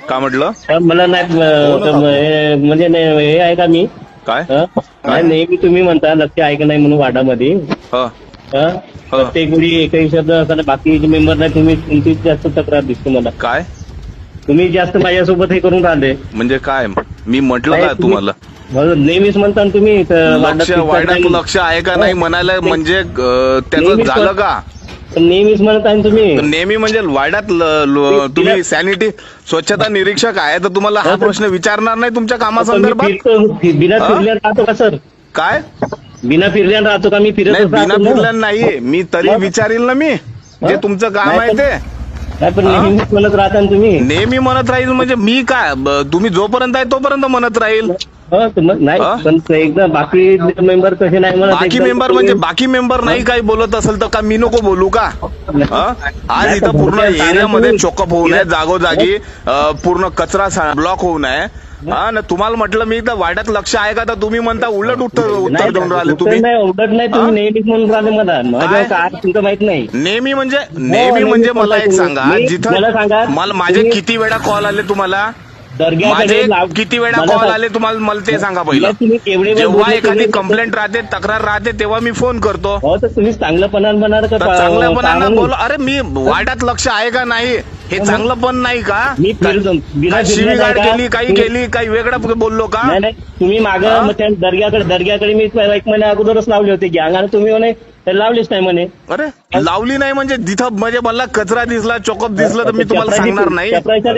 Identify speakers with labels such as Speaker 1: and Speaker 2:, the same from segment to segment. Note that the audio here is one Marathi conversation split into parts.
Speaker 1: का म्हटलं?
Speaker 2: मला नाही म्हणजे हे आहे का मी
Speaker 1: काय
Speaker 2: नाही नेहमी तुम्ही म्हणता लक्ष आहे का नाही म्हणून वाडामध्ये
Speaker 1: ह
Speaker 2: प्रत्येक वेळी एकही शब्द असताना बाकीचे मेंबर नाही तुम्ही तुमचीच जास्त तक्रार दिसते मला.
Speaker 1: काय
Speaker 2: तुम्ही जास्त माझ्यासोबत हे करून राहिले.
Speaker 1: म्हणजे काय मी म्हटलं
Speaker 2: नाही,
Speaker 1: काय तुम्हाला?
Speaker 2: नेहमीच म्हणता ना तुम्ही
Speaker 1: वाड्यात लक्ष आहे का नाही म्हणायला म्हणजे त्याचं
Speaker 2: नेहमीच
Speaker 1: झालं का?
Speaker 2: नेहमीच म्हणता ना तुम्ही.
Speaker 1: नेहमी म्हणजे वाड्यात तुम्ही सॅनिटी स्वच्छता निरीक्षक आहे तर तुम्हाला हा प्रश्न विचारणार नाही तुमच्या कामासंदर्भात?
Speaker 2: बिना फिरल्यानं राहतो का सर?
Speaker 1: काय
Speaker 2: बिना फिरल्यानं राहतो का? मी फिरत
Speaker 1: नाही, बिना फिरल्यानं नाहीये मी, तरी विचारील ना मी जे तुमचं काम आहे ते.
Speaker 2: नाही पण नेहमीच म्हणत राहता ना तुम्ही.
Speaker 1: नेहमी म्हणत राहील म्हणजे मी काय तुम्ही जोपर्यंत आहे तोपर्यंत म्हणत राहील.
Speaker 2: नाही पण एकदा बाकी मेंबर कसे नाही म्हणत.
Speaker 1: बाकी मेंबर म्हणजे बाकी मेंबर नाही काही बोलत असेल तर का मी नको बोलू का? आज इथं पूर्ण एरियामध्ये चोकअप होऊ नये, जागोजागी पूर्ण कचरा ब्लॉक होऊ नये. ना तुम्हाला म्हटलं मी तर वाड्यात लक्ष आहे का तर तुम्ही म्हणता उलट उत्तर देऊन राहिले तुम्ही.
Speaker 2: उलट नाही तुम्ही नेहमीच म्हणून राहिले मला काय तुमचं माहित नाही.
Speaker 1: नेहमी म्हणजे मला एक सांगा जिथं मला माझे किती वेळा कॉल आले तुम्हाला? माझे किती वेळा कॉल आले तुम्हाला मला ते सांगा पहिलं. जेव्हा एखादी कंप्लेंट राहते, तक्रार राहते तेव्हा मी फोन करतो.
Speaker 2: तर तुम्ही चांगलंपणानं
Speaker 1: चांगल्यापणानं बोल. अरे मी वाड्यात लक्ष आहे का नाही हे चांगलं पण नाही का?
Speaker 2: मी
Speaker 1: शिवीगाळ केली, काही केली, काही वेगळं बोललो का?
Speaker 2: नाही तुम्ही मागं दर्ग्याकडे मी 1 महिन्या अगोदरच लावले होते गॅंग आणि तुम्ही म्हणे लावलीच नाही म्हणे.
Speaker 1: अरे लावली नाही म्हणजे जिथं म्हणजे मला कचरा दिसला, चोकअप दिसलं तर मी तुम्हाला सांगणार नाही.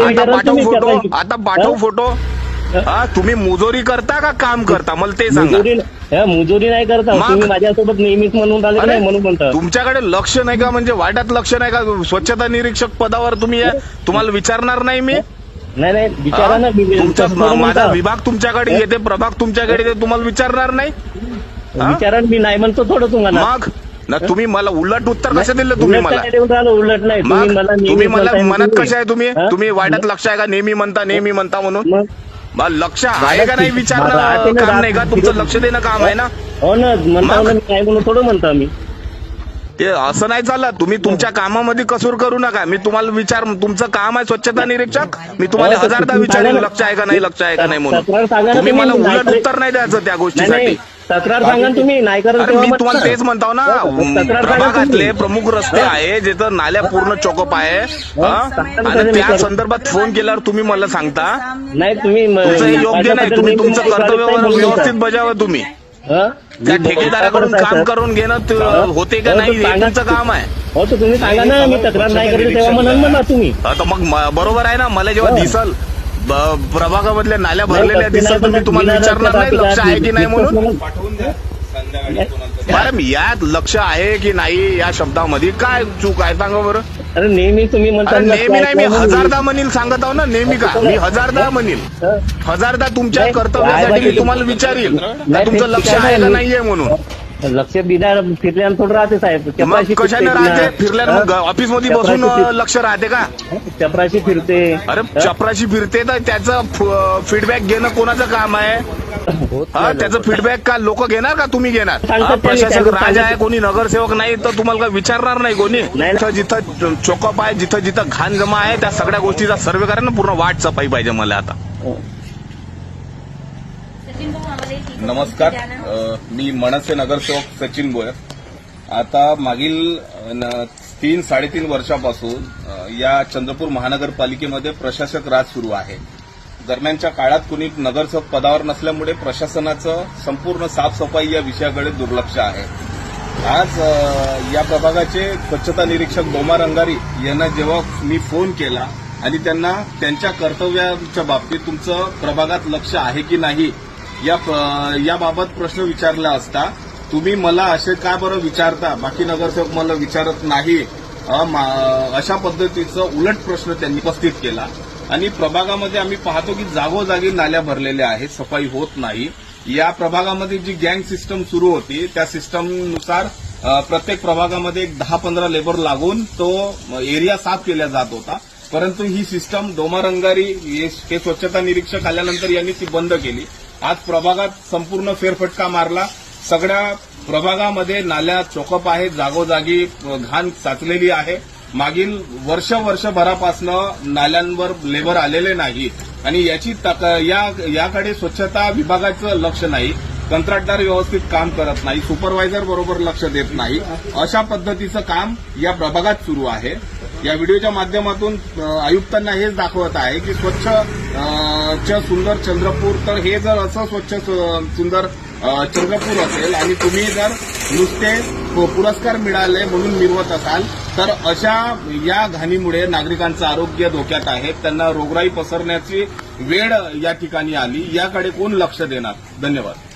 Speaker 1: आता पाठवू फोटो. तुम्ही मुजोरी करता का काम करता मला ते सांगा.
Speaker 2: मुजोरी नाही करता तुम्ही माझ्यासोबत नेहमीच म्हणून राहिले नाही म्हणून म्हणता.
Speaker 1: तुमच्याकडे लक्ष नाही का म्हणजे वाड्यात लक्ष नाही का? स्वच्छता निरीक्षक पदावर तुम्ही तुम्हाला विचारणार नाही मी?
Speaker 2: नाही विचारा ना.
Speaker 1: तुमचा माझा विभाग तुमच्याकडे येते, प्रभाग तुमच्याकडे येते, तुम्हाला विचारणार नाही?
Speaker 2: विचारा मी नाही म्हणतो थोडं तुम्हाला.
Speaker 1: मग ना तुम्ही मला उलट उत्तर कसं दिलं तुम्ही मला?
Speaker 2: उलट नाही
Speaker 1: तुम्ही मला म्हणत कशा आहे तुम्ही वाड्यात लक्ष आहे का नेहमी म्हणता म्हणून लक्ष आहे का नाही विचारणं काम नाही का तुमचं? लक्ष देणं काम आहे ना.
Speaker 2: हो ना म्हणता नाही म्हणून थोडं म्हणता मी.
Speaker 1: ते असं नाही चालत. तुम्ही तुमच्या कामामध्ये कसूर करू नका. मी तुम्हाला तुमचं काम आहे स्वच्छता निरीक्षक. मी तुम्हाला 1000दा विचारेल लक्ष आहे का नाही म्हणून. तुम्ही मला उलट उत्तर नाही द्यायचं त्या गोष्टीसाठी.
Speaker 2: तक्रार सांगा तुम्ही नाही करत.
Speaker 1: मी तुम्हाला तेच म्हणतो ना. प्रभागातले प्रमुख रस्ते आहे जिथं नाल्या पूर्ण चोकअप आहे आणि त्या संदर्भात फोन केल्यावर तुम्ही मला सांगता
Speaker 2: नाही तुम्ही
Speaker 1: तुमचं योग्य नाही. तुम्ही तुमचं कर्तव्य व्यवस्थित बजावा. तुम्ही त्या ठेकेदाराकडून काम करून घेणं होते का नाही हे तुमचं काम आहे.
Speaker 2: हो तर तुम्ही सांगा ना. मी तक्रार नाही करत तेव्हा म्हणा तुम्ही.
Speaker 1: तर मग बरोबर आहे ना. मला जेव्हा दिसल प्रभागामधल्या नाल्या भरलेल्या दिसत तर मी तुम्हाला विचारणार नाही लक्ष आहे की नाही म्हणून. मॅडम यात लक्ष आहे की नाही या शब्दामध्ये काय चूक आहे सांगा बरं?
Speaker 2: अरे नेहमी तुम्ही म्हणता.
Speaker 1: नेहमी नाही मी 1000दा म्हणील सांगत आहो ना. नेहमी का मी 1000दा म्हणील. 1000दा तुमच्या कर्तव्यासाठी मी तुम्हाला विचारील तुमचं लक्ष आहे का नाहीये म्हणून.
Speaker 2: लक्ष बिना फिरल्यानं थोडं राहते साहेब.
Speaker 1: मग कशाने राहते? फिरल्यानं ऑफिस मध्ये बसून लक्ष राहते का?
Speaker 2: चपराशी फिरते.
Speaker 1: अरे चपराशी फिरते तर त्याचं फीडबॅक घेणं कोणाचं काम आहे? त्याचं फीडबॅक का लोक घेणार का तुम्ही घेणार? प्रशासक राजा आहे कोणी नगरसेवक नाही तर तुम्हाला काय विचारणार नाही कोणी? जिथं चोकअप आहे जिथं जिथं घाण जमा आहे त्या सगळ्या गोष्टीचा सर्वे करा ना. पूर्ण वाट सफाई पाहिजे मला आता.
Speaker 3: नमस्कार, मी मनसे नगरसेवक सचिन बोयर. आता मागील 3-3.5 वर्षापासून या चंद्रपूर महानगरपालिकेमध्ये प्रशासक राज सुरू आहे. दरम्यानच्या काळात कुणी नगरसेवक पदावर नसल्यामुळे प्रशासनाचं संपूर्ण साफसफाई या विषयाकडे दुर्लक्ष आहे. आज या प्रभागाचे स्वच्छता निरीक्षक डोमार अंगारी यांना जेव्हा मी फोन केला आणि त्यांना त्यांच्या कर्तव्याच्या बाबतीत तुमचं प्रभागात लक्ष आहे की नाही याबाबत प्रश्न विचारला असता तुम्ही मला असे काय बरं विचारता, बाकी नगरसेवक मला विचारत नाही, अशा पद्धतीचा उलट प्रश्न त्यांनी उपस्थित केला. आणि प्रभागामध्ये आम्ही पाहतो की जागोजागी नाल्या भरलेल्या आहेत, सफाई होत नाही. या प्रभागामध्ये जी गँग सिस्टम सुरू होती त्या सिस्टमनुसार प्रत्येक प्रभागामध्ये 10-15 लेबर लागून तो एरिया साफ केला जात होता. परंतु ही सिस्टम डोमार अंगारी हे स्वच्छता निरीक्षक आल्यानंतर यांनी ती बंद केली. आज प्रभागात संपूर्ण फेरफटका मारला. सगळ्या प्रभागामध्ये नाल्या चोकअप आहे, जागोजागी घाण साचलेली आहे मागील वर्षभरापासनं नाल्यांवर लेबर आलेले नाही आणि याकडे स्वच्छता विभागाचं लक्ष नाही, कंत्राटदार व्यवस्थित काम करत नाही, सुपरवायझर बरोबर लक्ष देत नाही, अशा पद्धतीचं काम या प्रभागात सुरू आहे. या व्हिडिओच्या माध्यमातून आयुक्तांना हेच दाखवत आहे की स्वच्छ सुंदर चंद्रपूर, तर हे जर असं स्वच्छ सुंदर चंद्रपूर असेल आणि तुम्ही जर नुसते पुरस्कार मिळाले म्हणून मिरवत असाल तर अशा या घाणीमुळे नागरिकांचं आरोग्य धोक्यात आहे. त्यांना रोगराई पसरण्याची वेळ या ठिकाणी आली. याकडे कोण लक्ष देणार? धन्यवाद.